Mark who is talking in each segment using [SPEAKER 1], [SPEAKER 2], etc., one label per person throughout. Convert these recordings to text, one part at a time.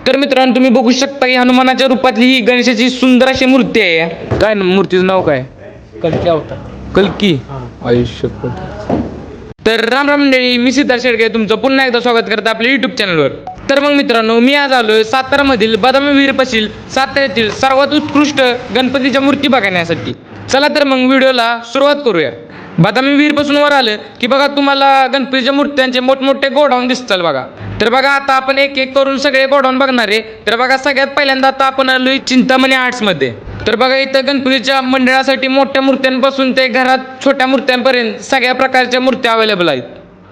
[SPEAKER 1] तर मित्रांनो तुम्ही बघू शकता की हनुमानाच्या रूपातली ही गणेशाची सुंदर अशी मूर्ती आहे. काय मूर्तीचं नाव काय?
[SPEAKER 2] कलकी अवतार.
[SPEAKER 1] कल्की. आयुष्य. तर राम राम मंडळी, मी सिद्धार्थ शेळके तुमचं पुन्हा एकदा स्वागत करतो आपल्या युट्यूब चॅनलवर. तर मग मित्रांनो मी आज आलोय सातारामधील बदामी विहीर पाशील साताऱ्यातील सर्वात उत्कृष्ट गणपतीच्या मूर्ती बघण्यासाठी. चला तर मग व्हिडिओला सुरुवात करूया. बदामी विहीर पासून वर आलं की बघा तुम्हाला गणपतीच्या मूर्त्यांचे मोठमोठे गोडाऊन दिसतात बघा. तर बघा आता आपण एक एक करून सगळे गोडाऊन बघणार आहे. तर बघा सगळ्यात पहिल्यांदा आता आपण आलोय चिंतामणी आर्ट्समध्ये. तर बघा इथं गणपतीच्या मंडळासाठी मोठ्या मूर्त्यांपासून ते घरात छोट्या मूर्त्यांपर्यंत सगळ्या प्रकारच्या मूर्त्या अवेलेबल आहेत.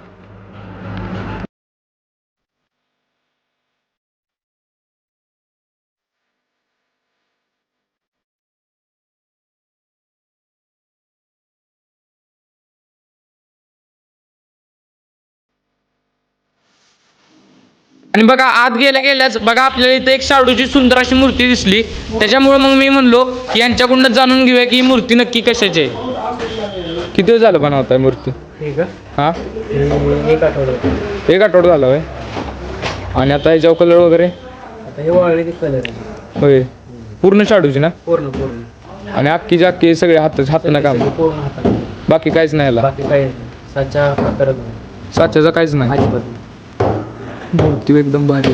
[SPEAKER 1] आणि बघा आत गेल्या गेल्याच बघा आपल्याला इथे एक शाडूची सुंदर अशी मूर्ती दिसली. त्याच्यामुळे मग मी म्हणलो की यांच्याकडून जाणून घेऊया की ही मूर्ती नक्की कशाची आहे. किती दिवस झालं बनवताय मूर्ती? हा,
[SPEAKER 2] एक आठवडा.
[SPEAKER 1] एक आठवडा झाला होय. आणि आता याच्यावर कलर वगैरे?
[SPEAKER 2] आता हे वाळले ते कलर आहे.
[SPEAKER 1] होय, पूर्ण शाडूची ना?
[SPEAKER 2] पूर्ण.
[SPEAKER 1] आणि अख्खीच्या अख्खी सगळे हातानं काम,
[SPEAKER 2] पूर्ण हातात.
[SPEAKER 1] बाकी काहीच नाही याला?
[SPEAKER 2] बाकी काही नाही. साचा करत नाही.
[SPEAKER 1] साच्याचं काहीच नाही.
[SPEAKER 2] अजिबात.
[SPEAKER 1] मूर्ती एकदम भारी.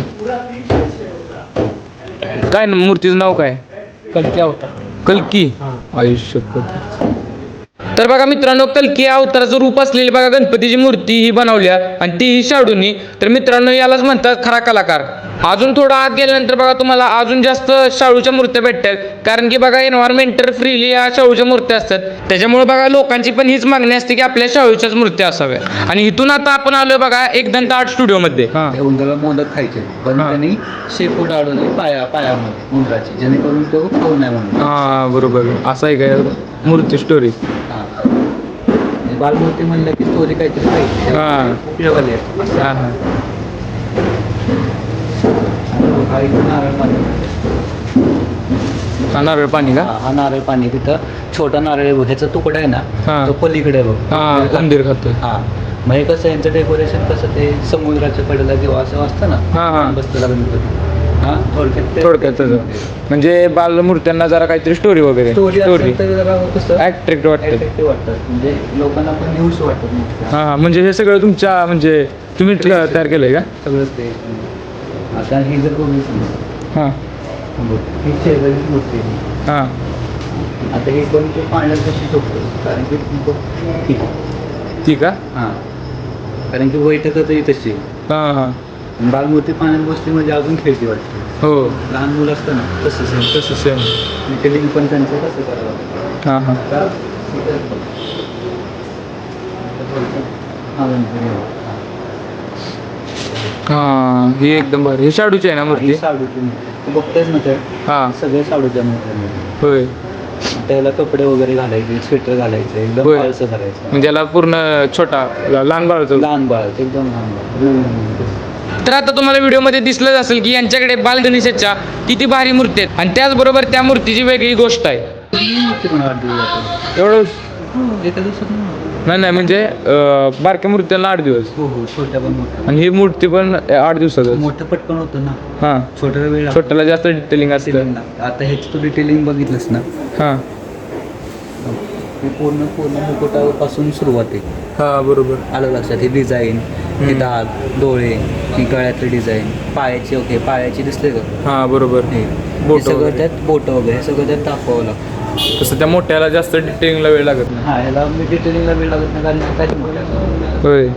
[SPEAKER 1] काय ना मूर्तीचं नाव काय?
[SPEAKER 2] कलकी अवतार.
[SPEAKER 1] कल्की.
[SPEAKER 2] हां.
[SPEAKER 1] आयुष्य. तर बघा मित्रांनो कल्की या अवताराचं रूप असलेली बघा गणपतीची मूर्ती ही बनवल्या आणि ती ही शाडूनी. तर मित्रांनो यालाच म्हणतात खरा कलाकार. अजून थोडं आत गेल्यानंतर बघा तुम्हाला अजून जास्त शाडूच्या मूर्त्या भेटतात. कारण की बघा एन्व्हायरमेंटल फ्रीली या शाडूच्या मूर्त्या असतात. त्याच्यामुळे बघा लोकांची पण हीच मागणी असते की आपल्या शाडूच्याच मूर्त्या असाव्या. आणि इथून आता आपण आलोय बघा एकदंत आर्ट स्टुडिओमध्ये.
[SPEAKER 3] त्या उंदराला मोदक खायचे पण त्यांनी शेपूट अडवली पायामध्ये उंदराची, जेणेकरून तो खाऊ नाही म्हणून.
[SPEAKER 1] हा बरोबर, असं आहे काय मूर्ती स्टोरी?
[SPEAKER 3] बालमूर्ती म्हणलं की स्टोरी काहीतरी पाहिजे.
[SPEAKER 1] हां
[SPEAKER 3] उपयोगाला येते.
[SPEAKER 1] हां हां.
[SPEAKER 3] हा इथं नारळ पाणी.
[SPEAKER 1] हा नारळ पाणी का?
[SPEAKER 3] हा नारळ पाणी. तिथं छोटा नारळ ह्याचा तुकडा आहे
[SPEAKER 1] हा.
[SPEAKER 3] ना, तो पलीकडे बघ.
[SPEAKER 1] हा उंदीर खातोय.
[SPEAKER 3] हा मग हे कसं यांचं डेकोरेशन कसं ते समुद्राच्या कडेला किंवा असं असतं ना,
[SPEAKER 1] हा हा.
[SPEAKER 3] बसलेला गणपती. हा
[SPEAKER 1] थोडक्यात म्हणजे बालमूर्त्यांना जरा काहीतरी स्टोरी वगैरे
[SPEAKER 3] स्टोरी कसं
[SPEAKER 1] ऍट्रॅक्ट वाटतं.
[SPEAKER 3] अट्रॅक्टिव्ह वाटतं, म्हणजे लोकांना पण न्यूज वाटतं.
[SPEAKER 1] हा हा. म्हणजे हे सगळं तुमच्या म्हणजे तुम्ही तयार केलंय का?
[SPEAKER 3] सगळंच ते. आता ही जर बघितली,
[SPEAKER 1] हां
[SPEAKER 3] ही शेजारीच मूर्ती आहे.
[SPEAKER 1] हां.
[SPEAKER 3] आता हे पण ते पाण्यात कशी झोपतो, कारण की
[SPEAKER 1] ती का?
[SPEAKER 3] हां, कारण की बैठकच तशी.
[SPEAKER 1] हां हां.
[SPEAKER 3] बालमूर्ती पाण्यात बसली म्हणजे अजून खेळती वाटते.
[SPEAKER 1] हो,
[SPEAKER 3] लहान मुलं असतं ना तसं
[SPEAKER 1] सेम.
[SPEAKER 3] डिटेलिंग पण त्यांचं कसं करावं.
[SPEAKER 1] हां हां. हां ही एकदम भारी. हे शाडूची आहे ना मूर्ती?
[SPEAKER 3] साडूची मूर्ती बघतायच ना ते.
[SPEAKER 1] हां
[SPEAKER 3] सगळे साडूच्या मूर्ती.
[SPEAKER 1] होय.
[SPEAKER 3] त्याला कपडे वगैरे घालायचे, स्वेटर घालायचे, एकदम
[SPEAKER 1] होय.
[SPEAKER 3] फारसं करायचं.
[SPEAKER 1] म्हणजे याला पूर्ण छोटा लहान बाळाचं.
[SPEAKER 3] लहान बाळ एकदम लहान बाळ.
[SPEAKER 1] तर आता तुम्हाला व्हिडिओमध्ये दिसलंच असेल की यांच्याकडे बाल गणेशाच्या किती भारी मूर्ती आहेत. आणि त्याचबरोबर त्या मूर्तीची वेगळी गोष्ट आहे. एवढं
[SPEAKER 3] एका दिवसात
[SPEAKER 1] नाही म्हणजे बारक्या मूर्त्यांना 8 दिवस.
[SPEAKER 3] हो छोट्या पण मोठ्या.
[SPEAKER 1] आणि ही मूर्ती पण 8 दिवसाचं.
[SPEAKER 3] मोठं पटकन होतं ना,
[SPEAKER 1] हां.
[SPEAKER 3] छोट्याला वेळ लागतो.
[SPEAKER 1] छोट्याला जास्त डिटेलिंग असते.
[SPEAKER 3] आता ह्याची तू डिटेलिंग बघितलंस ना,
[SPEAKER 1] हां
[SPEAKER 3] हे पूर्ण मुकुटापासून सुरुवात आहे.
[SPEAKER 1] हां बरोबर.
[SPEAKER 3] आलं लक्षात. हे डिझाईन, हे दाग, डोळे, ही गळ्यातली डिझाईन, पायाची. ओके, पायाची दिसले का?
[SPEAKER 1] हां बरोबर.
[SPEAKER 3] हे सगळं त्यात बोटं वगैरे सगळं त्यात दाखवावं लागतं.
[SPEAKER 1] तसं त्या मोठ्याला जास्त डिटेलिंगला वेळ लागत नाही.
[SPEAKER 3] हा, ह्याला मी डिटेलिंगला वेळ लागत नाही, कारण त्याच मोठ्या.
[SPEAKER 1] होय.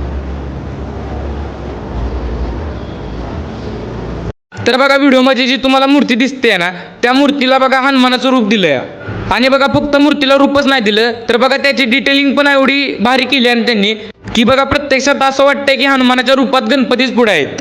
[SPEAKER 1] तर बघा व्हिडिओमध्ये जी तुम्हाला मूर्ती दिसते ना, त्या मूर्तीला बघा हनुमानाचं रूप दिलंय. आणि बघा फक्त मूर्तीला रूपच नाही दिलं तर बघा त्याची डिटेलिंग पण एवढी भारी केली आणि त्यांनी की बघा प्रत्यक्षात असं वाटतंय की हनुमानाच्या रूपात गणपतीच पुढे आहेत.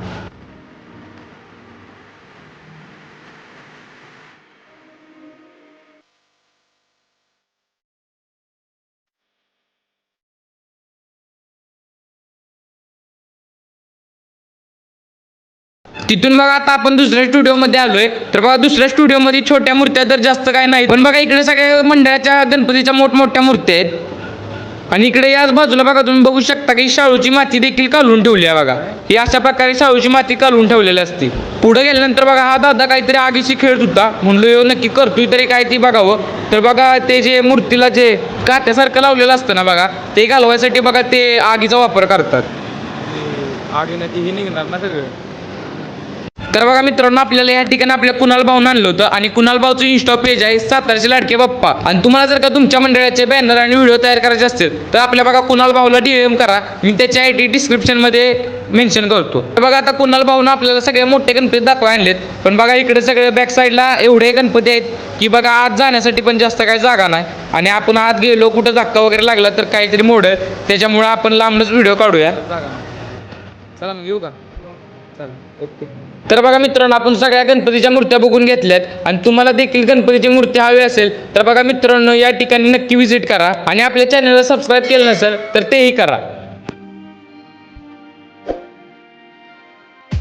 [SPEAKER 1] तिथून बघा आता आपण दुसऱ्या स्टुडिओमध्ये आलोय. तर बघा दुसऱ्या स्टुडिओमध्ये छोट्या मूर्त्या तर जास्त काय नाही, पण बघा इकडे सगळ्या मंडळाच्या गणपतीच्या मोठमोठ्या मूर्त्या आहेत. आणि इकडे याच बाजूला बघा तुम्ही बघू शकता की शाळूची माती देखील काढून ठेवली आहे बघा. ही अशा प्रकारे शाळूची माती काढून ठेवलेली असते. पुढे गेल्यानंतर बघा हा दादा काहीतरी आगीशी खेळत होता. म्हणलो ह्यो नक्की करतोय तरी काय ती बघावं. तर बघा ते जे मूर्तीला जे कात्यासारखं लावलेलं असतं ना बघा, ते घालवायसाठी बघा ते आगीचा वापर करतात. आगीनं ती निघणार ना सगळं. तर बघा मित्रांनो, आपल्याला या ठिकाणी आपल्या कुणाल भाऊन आणलं होतं आणि कुणाल भाऊचं इंस्टा पेज आहे सातारचे लाडके बाप्पा. आणि तुम्हाला जर का तुमच्या मंडळाचे बॅनर आणि व्हिडिओ तयार करायचे असतील तर आपल्या बघा कुणाल भाऊला DM करा. मी त्याची ID डिस्क्रिप्शनमध्ये मेन्शन करतो. तर बघा आता कुणाल भाऊनं आपल्याला सगळे मोठे गणपती दाखवा आणलेत. पण बघा इकडे सगळे बॅक साईडला एवढे गणपती आहेत की बघा आत जाण्यासाठी पण जास्त काही जागा नाही. आणि आपण आत गेलो कुठं धक्का वगैरे लागला तर काहीतरी मोडल, त्याच्यामुळे आपण लांबच व्हिडिओ काढूया. चला मग येऊ का? चला ओके. तर बघा मित्रांनो, आपण सगळ्या गणपतीच्या मूर्त्या बघून घेतल्यात आणि तुम्हाला देखील गणपतीची मूर्ती हवी असेल तर बघा मित्रांनो या ठिकाणी नक्की व्हिजिट करा आणि आपल्या चॅनलला सबस्क्राईब केलं नसेल तर तेही करा.